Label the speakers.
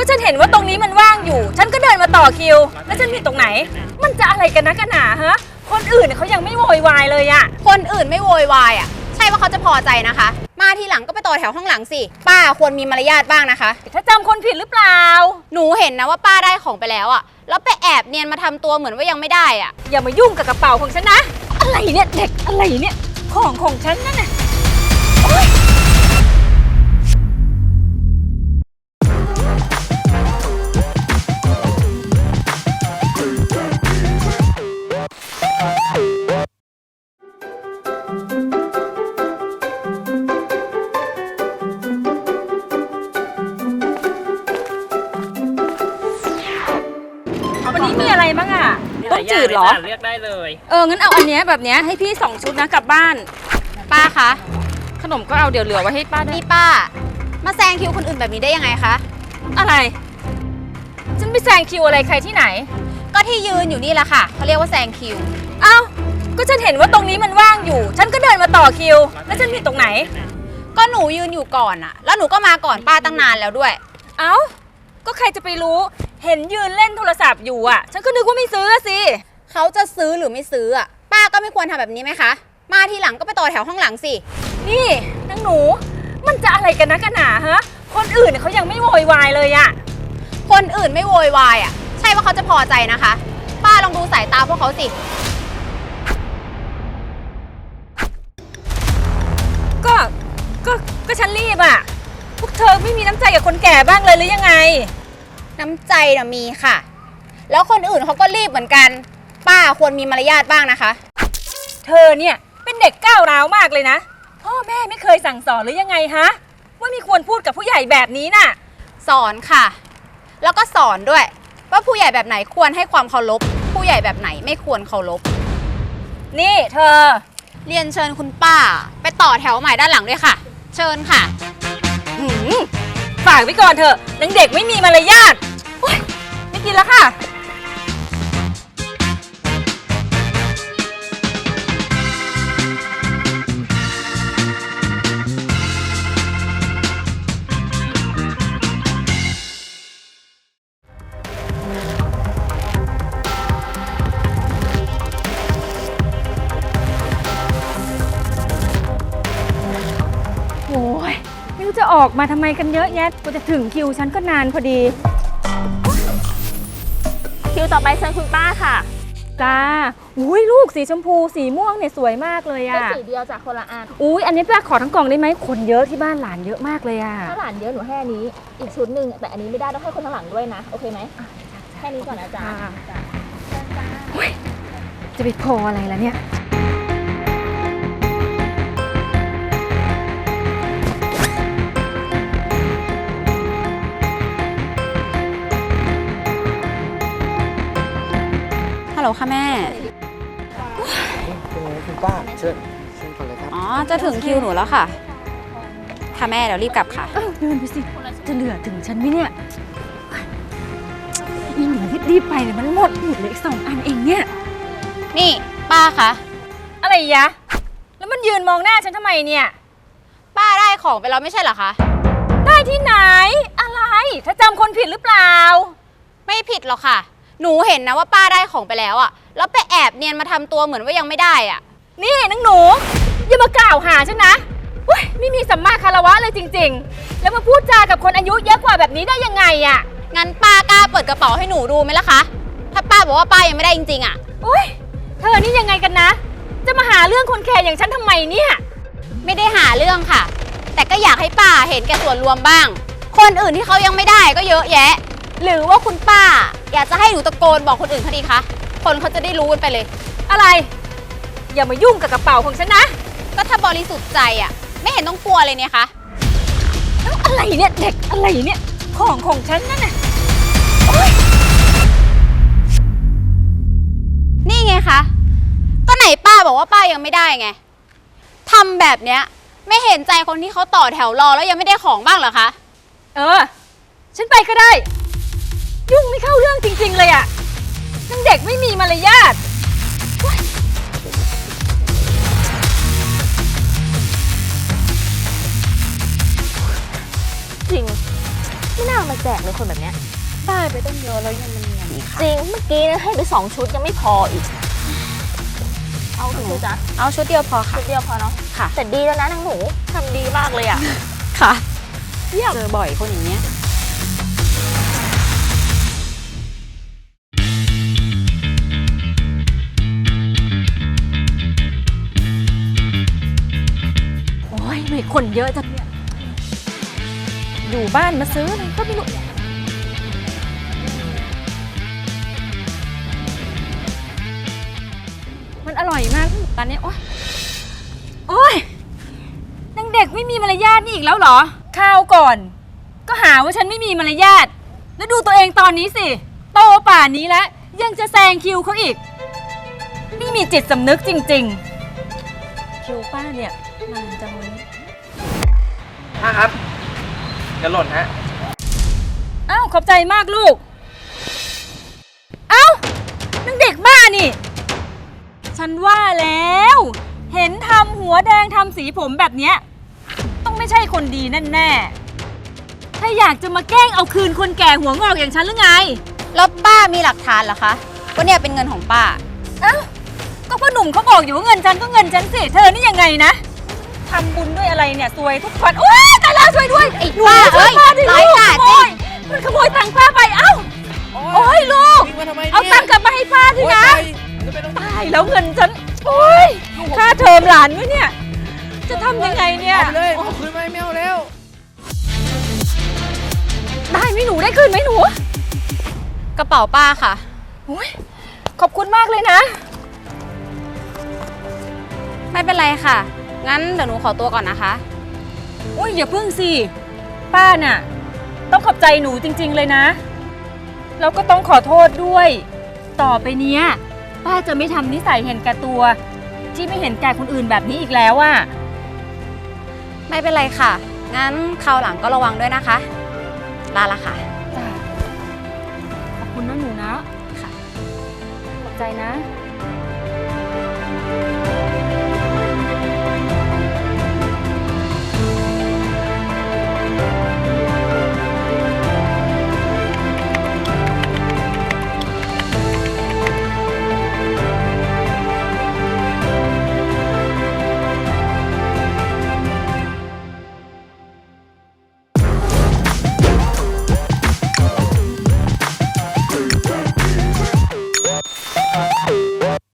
Speaker 1: ฉันเห็นว่าตรงนี้มันว่างอยู่ฉันก็เดินมาต่อคิวแล้วฉันผิดตรงไหนมันจะอะไรกันนะกันหนาฮะคนอื่นเขายังไม่โวยวายเลยอะ
Speaker 2: คนอื่นไม่โวยวายอะใช่ว่าเขาจะพอใจนะคะมาทีหลังก็ไปต่อแถวข้างหลังสิป้าควรมีมารยาทบ้างนะคะ
Speaker 1: ถ้าจำคนผิดหรือเปล่า
Speaker 2: หนูเห็นนะว่าป้าได้ของไปแล้วอะแล้วไปแอบเนียนมาทำตัวเหมือนว่ายังไม่ได้อะ
Speaker 1: อย่ามายุ่งกับกระเป๋าของฉันนะอะไรเนี่ยเด็กอะไรเนี่ยของฉันนั่นน่ะวันนี้มีอะไรบ้างอะต้มจืดเหรอ
Speaker 3: เลือกได้เลย
Speaker 1: งั้นเอาอันเนี้ยแบบเนี้ยให้พี่2 ชุดนะกลับบ้าน
Speaker 2: ป้าคะ
Speaker 1: ขนมก็เอาเดี๋ยวเหลือไว้ให้ป้าได้
Speaker 2: นี่ป้ามาแซงคิวคนอื่นแบบนี้ได้ยังไงคะ
Speaker 1: อะไรฉันไปแซงคิวอะไรใครที่ไหน
Speaker 2: ก็ที่ยืนอยู่นี่แหละค่ะเขาเรียกว่าแซงคิว
Speaker 1: เอ้าก็ฉันเห็นว่าตรงนี้มันว่างอยู่ฉันก็เดินมาต่อคิวแล้วฉันผิดตรงไหน
Speaker 2: ก็หนูยืนอยู่ก่อนอะแล้วหนูก็มาก่อนป้าตั้งนานแล้วด้วย
Speaker 1: เอ้าก็ใครจะไปรู้เห็นยืนเล่นโทรศัพท์อยู่อ่ะฉันก็นึกว่าไม่ซื้อสิ
Speaker 2: เขาจะซื้อหรือไม่ซื้ออ่ะป้าก็ไม่ควรทำแบบนี้ไหมคะมาทีหลังก็ไปต่อแถวข้างหลังสิ
Speaker 1: นี่นางหนูมันจะอะไรกันนะกันหนาฮะคนอื่นเขายังไม่โวยวายเลยอ่ะ
Speaker 2: คนอื่นไม่โวยวายอ่ะใช่ว่าเขาจะพอใจนะคะป้าลองดูสายตาพวกเขาสิ
Speaker 1: ก็ฉันรีบอ่ะพวกเธอไม่มีน้ำใจกับคนแก่บ้างเลยหรือยังไง
Speaker 2: น้ำใจน่ะมีค่ะแล้วคนอื่นเขาก็รีบเหมือนกันป้าควรมีมารยาทบ้างนะคะ
Speaker 1: เธอเนี่ยเป็นเด็กก้าวร้าวมากเลยนะพ่อแม่ไม่เคยสั่งสอนหรือยังไงฮะว่าไม่ควรพูดกับผู้ใหญ่แบบนี้น่ะ
Speaker 2: สอนค่ะแล้วก็สอนด้วยว่าผู้ใหญ่แบบไหนควรให้ความเคารพผู้ใหญ่แบบไหนไม่ควรเคารพ
Speaker 1: นี่เธอ
Speaker 2: เรียนเชิญคุณป้าไปต่อแถวใหม่ด้านหลังด้วยค่ะเชิญค่ะ
Speaker 1: ฝากไว้ก่อนเถอะนางเด็กไม่มีมารยาทไม่กินแล้วค่ะโอ้ยไม่รู้จะออกมาทำไมกันเยอะแยะกว่าจะถึงคิวฉันก็นานพอดี
Speaker 4: คิวต่อไปเชิญคุณป้าค่ะ
Speaker 1: จ้าอุ้ยลูกสีชมพูสีม่วงเนี่ยสวยมากเลยอะ
Speaker 4: เป็นสีเดียวจากคนละอัน
Speaker 1: อุ้ยอันนี้ป้าขอทั้งกล่องได้ไหมคนเยอะที่บ้านหลานเยอะมากเลยอะ
Speaker 4: ถ้าหลานเยอะหนูให้อันนี้อีกชุดหนึ่งแต่อันนี้ไม่ได้ต้องให้คนข้างหลังด้วยนะโอเคไหมแค่นี้ก่อนนะจ๊ะ
Speaker 1: จะไปพออะไรล่ะเนี่ย
Speaker 2: ฮัลโหลค่ะแม่
Speaker 3: คุณป้าเชิญก่อนเลยครับ
Speaker 2: อ๋อจะถึงคิวหนูแล้วค่ะค่ะแม่เดี๋ยวรีบกลับค่ะ
Speaker 1: เดินไปสิจะเหลือถึงฉันไหมเนี่ยอีหนูรีบไปเลยมันหมดเลยอีก2 อันเองเนี่ย
Speaker 2: นี่ป้าคะ
Speaker 1: อะไรยะแล้วมันยืนมองหน้าฉันทำไมเนี่ย
Speaker 2: ป้าได้ของไปแล้วไม่ใช่เหรอคะ
Speaker 1: ได้ที่ไหนอะไรถ้าจำคนผิดหรือเปล่า
Speaker 2: ไม่ผิดหรอกค่ะหนูเห็นนะว่าป้าได้ของไปแล้วอะแล้วไปแอบเนียนมาทำตัวเหมือนว่ายังไม่ได้อะ
Speaker 1: นี่นางหนูอย่ามากล่าวหาฉันนะไม่มีสัมมาคารวะเลยจริงๆแล้วมาพูดจากับคนอายุเยอะกว่าแบบนี้ได้ยังไงอะ
Speaker 2: งั้นป้ากล้าเปิดกระเป๋าให้หนูดูไหมล่ะคะถ้าป้าบอกว่าป้ายังไม่ได้จริงๆอะ
Speaker 1: เธอนี่ยังไงกันนะจะมาหาเรื่องคนแก่อย่างฉันทำไมเนี่ย
Speaker 2: ไม่ได้หาเรื่องค่ะแต่ก็อยากให้ป้าเห็นแก่ส่วนรวมบ้างคนอื่นที่เขายังไม่ได้ก็เยอะแยะหรือว่าคุณป้าอยากจะให้หนูตะโกนบอกคนอื่นเขาดีคะคนเขาจะได้รู้กันไปเลย
Speaker 1: อะไรอย่ามายุ่งกับกระเป๋าของฉันนะ
Speaker 2: ก็ถ้าบริสุทธิ์ใจอ่ะไม่เห็นต้องกลัวเลยเนี่ยคะ
Speaker 1: อะไรเนี่ยเด็กอะไรเนี่ยของฉันนั่นน่ะ
Speaker 2: นี่ไงคะก็ไหนป้าบอกว่าป้ายังไม่ได้ไงทำแบบเนี้ยไม่เห็นใจคนที่เขาต่อแถวรอแล้วยังไม่ได้ของบ้างเหรอคะ
Speaker 1: ฉันไปก็ได้ยุ่งไม่เข้าเรื่องจริงๆเลยอะนางเด็กไม่มีมารยาท
Speaker 4: จริงไม่น่าเอามาแจกเลยคนแบบเนี้ย
Speaker 2: ได้ไปตั้งเยอะแล้วยังมันเนียนอีกค่ะ
Speaker 4: จริง เมื่อกี้นะให้ไป2 ชุดยังไม่พออีก เอากี่ชุดจ๊ะ
Speaker 2: เอาชุดเดียวพอค่ะ
Speaker 4: ชุดเดียวพอเนาะ
Speaker 2: ค่ะ
Speaker 4: แต่ดีแล้วนะนางหนูทำดีมากเลยอ่ะ
Speaker 2: ค่ะเจอบ่อยคนอย่างเงี้ย
Speaker 1: โอ้ยไม่คนเยอะจังเนี่ย อยู่บ้านมาซื้ออะไรก็ไม่รู้ มันอร่อยมากร้านนี้โอ๊ย โอ๊ยนางเด็กไม่มีมารยาทนี่อีกแล้วเหรอ ข้าวก่อน ก็หาว่าฉันไม่มีมารยาท แล้วดูตัวเองตอนนี้สิ โตป่านนี้แล้ว ยังจะแซงคิวเขาอีก ไม่มีจิตสำนึกจริงๆ คิวป้าเนี่ยนานจังวันนี้
Speaker 3: ป้าครับจะหล่นฮะ
Speaker 1: อ้าวขอบใจมากลูก เอ้านางเด็กบ้านี่ ฉันว่าแล้ว เห็นทำหัวแดงทำสีผมแบบเนี้ยต้องไม่ใช่คนดีแน่ๆถ้าอยากจะมาแกล้งเอาคืนคนแก่หัวงอกอย่างฉันหรือไง
Speaker 2: แล้วป้ามีหลักฐานเหรอคะว่าเนี่ยเป็นเงินของป้า
Speaker 1: เอ้าก็พ่อหนุ่มเขาบอกอยู่ว่าเงินฉันก็เงินฉันสิเธอนี่ยังไงนะทำบุญด้วยอะไรเนี่ยซวยทุกคนโอ๊ยตายแล้วช่วยด้วย
Speaker 2: ไอ้
Speaker 1: หนู
Speaker 2: ป้า
Speaker 1: ช่วยป้าดิ
Speaker 2: เอ้ย
Speaker 1: ลูก
Speaker 2: ร้าย
Speaker 1: ข
Speaker 2: กาจ
Speaker 1: โมยมันขโมยตังค์ป้าไปเอ้าโอ๊ยลูก
Speaker 3: วิ่งมาทำไม
Speaker 1: เอาตังค์กลับมาให้ป้าทีนะ
Speaker 3: จะไปต้อง
Speaker 1: ตายแล้วเงินฉัน โอ๊ย ค่าเทอมหลานด้วยเนี่ย จะทำยังไงเนี่ย
Speaker 3: เอาไปเลยเอาคืนไหมไม่เอาแล้ว
Speaker 1: ได้ไหมหนูได้คืนไหมหนู
Speaker 2: กระเป๋าป้าค่ะ
Speaker 1: โอ๊ย ขอบคุณมากเลยนะ
Speaker 2: ไม่เป็นไรค่ะ งั้นเดี๋ยวหนูขอตัวก่อนนะคะ
Speaker 1: อุ้ยอย่าพึ่งสิ ป้าน่ะ ต้องขอบใจหนูจริงๆเลยนะ แล้วก็ต้องขอโทษด้วย ต่อไปเนี้ย ป้าจะไม่ทำนิสัยเห็นแก่ตัว ที่ไม่เห็นแก่คนอื่นแบบนี้อีกแล้วอะ
Speaker 2: ไม่เป็นไรค่ะ งั้นคราวหลังก็ระวังด้วยนะคะ ลาละค่ะ
Speaker 1: จ้ะขอบคุณนะหนูนะ
Speaker 2: ค่ะ
Speaker 1: ขอบใจนะ
Speaker 2: ค